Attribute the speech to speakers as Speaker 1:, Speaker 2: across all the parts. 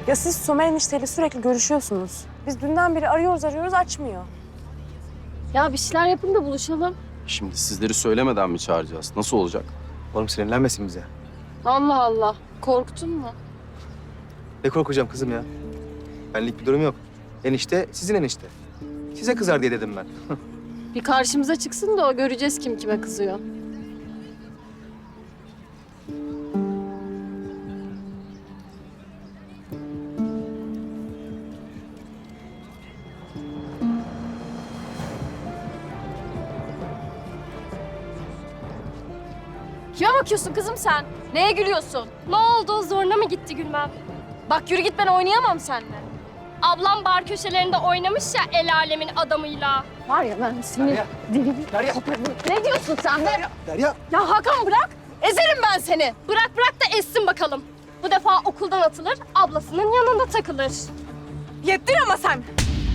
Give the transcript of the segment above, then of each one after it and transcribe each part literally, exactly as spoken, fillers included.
Speaker 1: Ya siz Somer enişteyle sürekli görüşüyorsunuz. Biz dünden beri arıyoruz arıyoruz açmıyor.
Speaker 2: Ya bir şeyler yapın da buluşalım.
Speaker 3: Şimdi sizleri söylemeden mi çağıracağız? Nasıl olacak?
Speaker 4: Oğlum sinirlenmesin bize.
Speaker 2: Allah Allah. Korktun mu?
Speaker 4: Ne korkacağım kızım ya? Benlik bir durum yok. Enişte sizin enişte. Size kızar diye dedim ben.
Speaker 2: Bir karşımıza çıksın da o göreceğiz kim kime kızıyor. Kime bakıyorsun kızım sen? Neye gülüyorsun?
Speaker 5: Ne oldu? Zoruna mı gitti gülmem?
Speaker 2: Bak yürü git, ben oynayamam seninle.
Speaker 5: Ablam bar köşelerinde oynamış ya el alemin adamıyla.
Speaker 2: Var ya ben seni
Speaker 4: Derya.
Speaker 2: deli
Speaker 4: Derya.
Speaker 2: Ne diyorsun sen be?
Speaker 4: Derya.
Speaker 2: Ya Hakan bırak. Ezerim ben seni.
Speaker 5: Bırak bırak da essin bakalım. Bu defa okuldan atılır, ablasının yanında takılır.
Speaker 1: Yettin ama sen.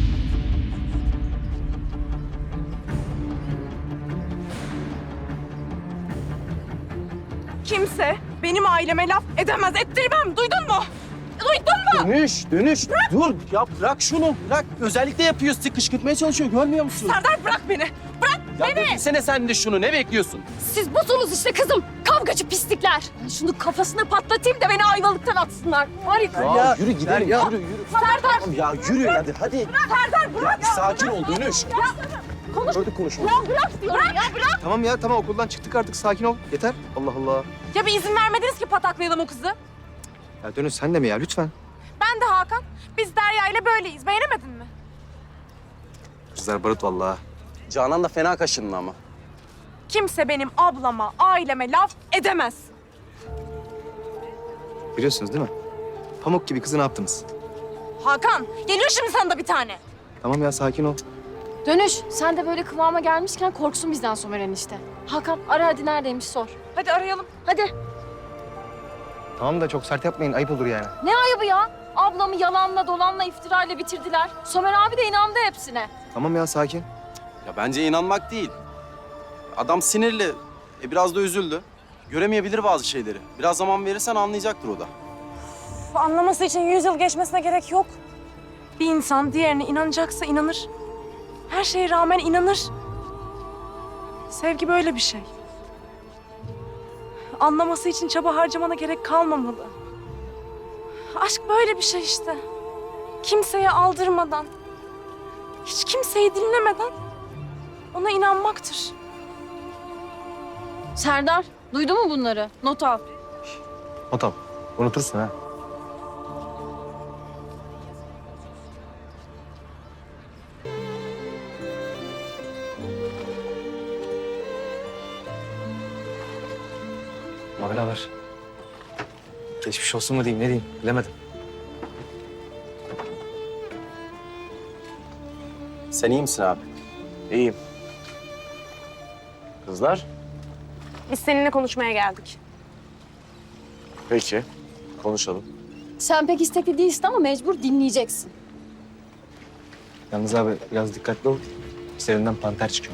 Speaker 1: Kimse benim aileme laf edemez, ettirmem. Duydun mu? Duydun mu?
Speaker 3: Dönüş, dönüş. Dur ya bırak şunu. Bırak. Özellikle yapıyor. Sizi kışkırtmaya çalışıyor. Görmüyor musun?
Speaker 1: Serdar bırak beni. Bırak
Speaker 3: Ya
Speaker 1: beni.
Speaker 3: beklesene sen de şunu. Ne bekliyorsun?
Speaker 2: Siz busunuz işte kızım. Kavgacı pislikler. Ben şunu kafasına patlatayım da beni ayvalıktan atsınlar. Var ya.
Speaker 3: Ya, yürü gidelim.
Speaker 4: Derya.
Speaker 3: Yürü yürü.
Speaker 2: Serdar.
Speaker 3: Tamam ya yürü hadi hadi.
Speaker 1: Serdar bırak.
Speaker 3: Bir sakin ol dönüş.
Speaker 2: Konuş.
Speaker 3: Gördük konuşma.
Speaker 2: Ya bırak diyorum ya bırak.
Speaker 4: Tamam ya tamam okuldan çıktık artık sakin ol. Yeter. Allah Allah.
Speaker 1: Ya bir izin vermediniz ki pataklayalım o kızı.
Speaker 4: Ya Dönüş sen de mi ya lütfen?
Speaker 1: Ben de Hakan. Biz Derya ile böyleyiz. Beğenemedin mi?
Speaker 4: Kızlar barut vallahi.
Speaker 3: Canan da fena kaşındı ama.
Speaker 1: Kimse benim ablama, aileme laf edemez.
Speaker 4: Biliyorsunuz değil mi? Pamuk gibi kızı ne yaptınız?
Speaker 1: Hakan, geliyor şimdi sana da bir tane.
Speaker 4: Tamam ya sakin ol.
Speaker 2: Dönüş. Sen de böyle kıvama gelmişken korksun bizden Somer enişte. Hakan ara hadi neredeymiş sor.
Speaker 1: Hadi arayalım.
Speaker 2: Hadi.
Speaker 4: Tamam da çok sert yapmayın ayıp olur yani.
Speaker 2: Ne ayıbı ya? Ablamı yalanla dolanla iftirayla bitirdiler. Somer abi de inandı hepsine.
Speaker 4: Tamam ya sakin.
Speaker 3: Ya bence inanmak değil. Adam sinirli. E biraz da üzüldü. Göremeyebilir bazı şeyleri. Biraz zaman verirsen anlayacaktır o da.
Speaker 1: Uf, anlaması için yüz yıl geçmesine gerek yok. Bir insan diğerine inanacaksa inanır. Her şeye rağmen inanır. Sevgi böyle bir şey. Anlaması için çaba harcamana gerek kalmamalı. Aşk böyle bir şey işte. Kimseye aldırmadan, hiç kimseyi dinlemeden ona inanmaktır.
Speaker 2: Serdar duydun mu bunları? Not al.
Speaker 4: O tamam. Unutursun ha. Mavlalar. Geçmiş olsun mu diyeyim ne diyeyim bilemedim.
Speaker 3: Sen iyi misin abi?
Speaker 6: İyiyim. Kızlar?
Speaker 1: Biz seninle konuşmaya geldik.
Speaker 6: Peki. Konuşalım.
Speaker 2: Sen pek istekli değilsin ama mecbur dinleyeceksin.
Speaker 4: Yalnız abi biraz dikkatli ol. Serinden panter çıkıyor.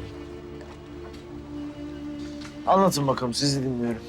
Speaker 6: Anlatın bakalım, sizi dinliyorum.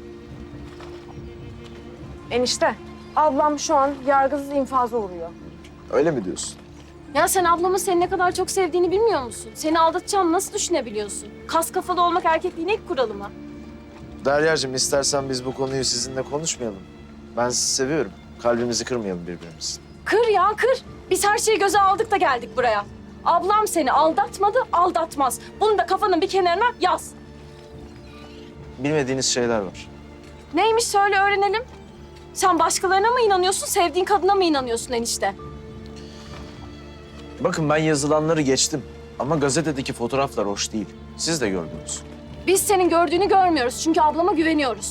Speaker 1: Enişte, ablam şu an yargısız infaza uğruyor.
Speaker 6: Öyle mi diyorsun?
Speaker 2: Ya sen ablamın seni ne kadar çok sevdiğini bilmiyor musun? Seni aldatacağını nasıl düşünebiliyorsun? Kas kafalı olmak erkekliğin ilk kuralı mı?
Speaker 6: Deryacığım, istersen biz bu konuyu sizinle konuşmayalım. Ben sizi seviyorum. Kalbimizi kırmayalım birbirimizin.
Speaker 2: Kır ya kır. Biz her şeyi göze aldık da geldik buraya. Ablam seni aldatmadı, aldatmaz. Bunu da kafanın bir kenarına yaz.
Speaker 6: Bilmediğiniz şeyler var.
Speaker 2: Neymiş söyle öğrenelim. Sen başkalarına mı inanıyorsun, sevdiğin kadına mı inanıyorsun enişte?
Speaker 6: Bakın ben yazılanları geçtim. Ama gazetedeki fotoğraflar hoş değil. Siz de gördünüz.
Speaker 2: Biz senin gördüğünü görmüyoruz çünkü ablama güveniyoruz.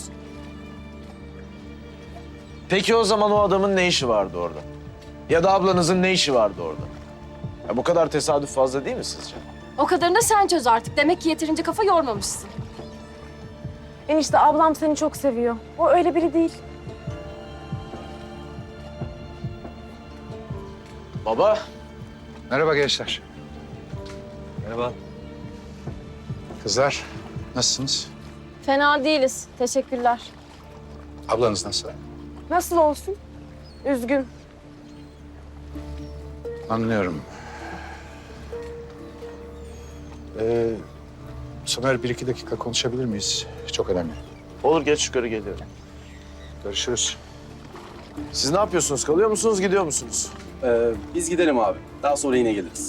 Speaker 6: Peki o zaman o adamın ne işi vardı orada? Ya da ablanızın ne işi vardı orada? Ya bu kadar tesadüf fazla değil mi sizce?
Speaker 2: O kadarını da sen çöz artık. Demek ki yeterince kafa yormamışsın.
Speaker 1: Enişte ablam seni çok seviyor. O öyle biri değil.
Speaker 6: Baba.
Speaker 7: Merhaba gençler.
Speaker 4: Merhaba.
Speaker 7: Kızlar, nasılsınız?
Speaker 2: Fena değiliz. Teşekkürler.
Speaker 7: Ablanız nasıl?
Speaker 1: Nasıl olsun? Üzgün.
Speaker 7: Anlıyorum. Ee, Somer bir iki dakika konuşabilir miyiz? Çok önemli.
Speaker 6: Olur, geç yukarı geliyorum.
Speaker 7: Görüşürüz.
Speaker 6: Siz ne yapıyorsunuz? Kalıyor musunuz, gidiyor musunuz?
Speaker 3: Ee, biz gidelim abi. Daha sonra yine geliriz.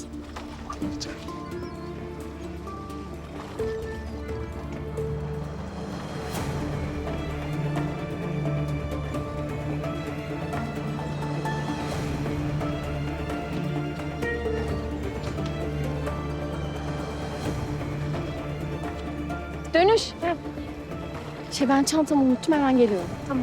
Speaker 5: Dönüş. Şey ben çantamı unuttum hemen geliyorum. Tamam.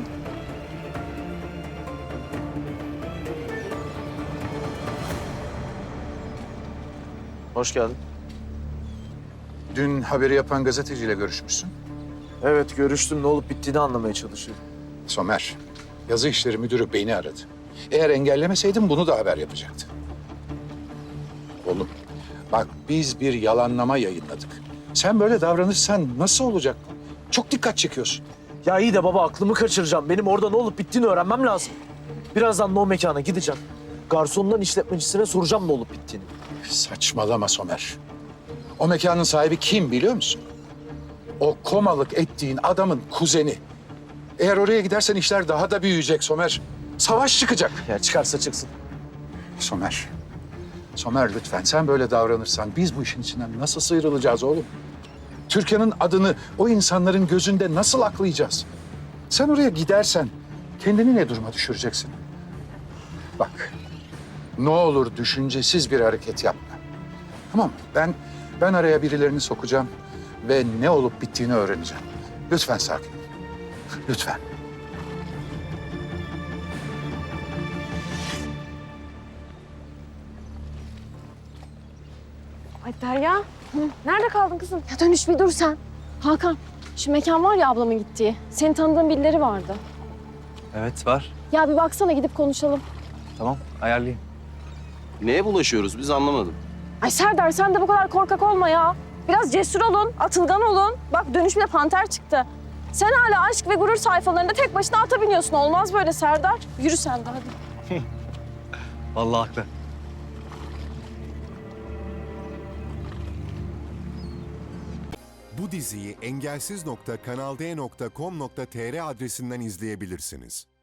Speaker 6: Hoş geldin.
Speaker 7: Dün haberi yapan gazeteciyle görüşmüşsün.
Speaker 6: Evet, görüştüm. Ne olup bittiğini anlamaya çalışıyorum.
Speaker 7: Somer, yazı işleri müdürü beni aradı. Eğer engellemeseydim bunu da haber yapacaktı. Oğlum, bak biz bir yalanlama yayınladık. Sen böyle davranırsan nasıl olacak? Çok dikkat çekiyorsun.
Speaker 6: Ya iyi de baba, aklımı kaçıracağım. Benim orada ne olup bittiğini öğrenmem lazım. Birazdan da o mekana gideceğim. Garsondan işletmecisine soracağım ne olup bittiğini.
Speaker 7: Saçmalama Somer. O mekanın sahibi kim biliyor musun? O komalık ettiğin adamın kuzeni. Eğer oraya gidersen işler daha da büyüyecek Somer. Savaş çıkacak.
Speaker 6: Ya çıkarsa çıksın.
Speaker 7: Somer. Somer lütfen sen böyle davranırsan biz bu işin içinden nasıl sıyrılacağız oğlum? Türkiye'nin adını o insanların gözünde nasıl aklayacağız? Sen oraya gidersen kendini ne duruma düşüreceksin? Bak, ne olur düşüncesiz bir hareket yapma. Tamam mı? Ben, ben araya birilerini sokacağım ve ne olup bittiğini öğreneceğim. Lütfen sakin ol. Lütfen.
Speaker 1: Ay Derya. Nerede kaldın kızım?
Speaker 2: Ya Dönüş bir dur sen. Hakan, şu mekan var ya ablamın gittiği. Senin tanıdığın birileri vardı.
Speaker 4: Evet var.
Speaker 2: Ya bir baksana gidip konuşalım.
Speaker 4: Tamam ayarlayayım.
Speaker 3: Neye bulaşıyoruz biz anlamadım.
Speaker 2: Ay Serdar sen de bu kadar korkak olma ya. Biraz cesur olun, atılgan olun. Bak Dönüş bile panter çıktı. Sen hala aşk ve gurur sayfalarında tek başına ata biniyorsun. Olmaz böyle Serdar. Yürü sen de hadi.
Speaker 4: Vallahi haklı.
Speaker 8: Bu diziyi engelsiz nokta kanal d nokta com nokta tr adresinden izleyebilirsiniz.